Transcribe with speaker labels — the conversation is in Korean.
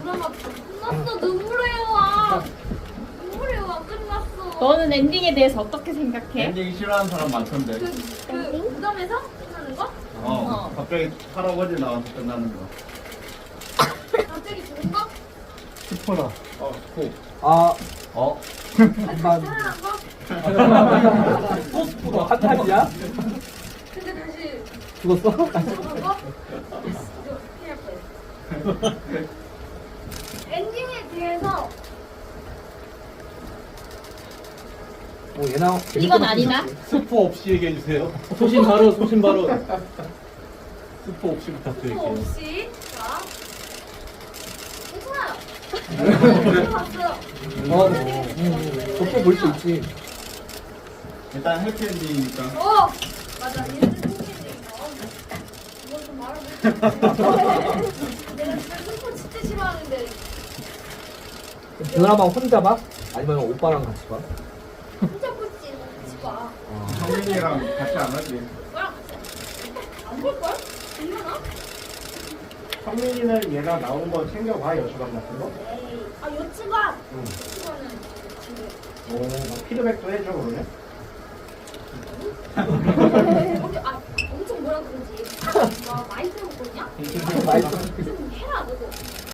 Speaker 1: 드라마 끝났어. 눈물의 여왕. 눈물의 여왕 끝났어.
Speaker 2: 너는 엔딩에 대해서 어떻게 생각해?
Speaker 3: 엔딩 싫어하는 사람 많던데.
Speaker 1: 그 무덤에서 끝나는 거?
Speaker 3: 갑자기 할아버지 나와서 끝나는 거.
Speaker 1: 갑자기 죽은 거?
Speaker 4: 스포라.
Speaker 3: 코.
Speaker 4: 아,
Speaker 1: 살아난 거?
Speaker 4: 또 스포라. 한탄이야?
Speaker 1: 근데 다시
Speaker 4: 죽었어?
Speaker 1: 죽은 거? 이거 큰일 날 뻔했어. 엔딩에 대해서
Speaker 4: 얘나.
Speaker 2: 이건 아니다.
Speaker 5: 스포 없이 얘기해 주세요. 소신 바로 스포 없이
Speaker 1: 스포
Speaker 5: 부탁드릴게요.
Speaker 1: 없이 자 괜찮아요. 봤어요.
Speaker 4: 덕분 볼수 있지.
Speaker 3: 일단 해피엔딩이니까.
Speaker 1: 맞아. 얘는 팬이니까. 이거 좀 말하면 내가 진짜 스포 진짜 싫어하는데
Speaker 4: 드라마 혼자 봐? 아니면 오빠랑 같이 봐?
Speaker 1: 혼자 볼지 같이 봐.
Speaker 3: 성민이랑 같이 안 하지.
Speaker 1: 너랑 같이 안 볼걸? 얼마나?
Speaker 6: 성민이는 얘가 나온 거 챙겨봐, 여주간 같은 거.
Speaker 1: 에이. 요츠가 요츠가는 지금
Speaker 6: 막 피드백도 해줘, 그러면.
Speaker 1: 엄청 뭐라 그러지? 와 많이 들어먹거든요?
Speaker 4: 맛있어.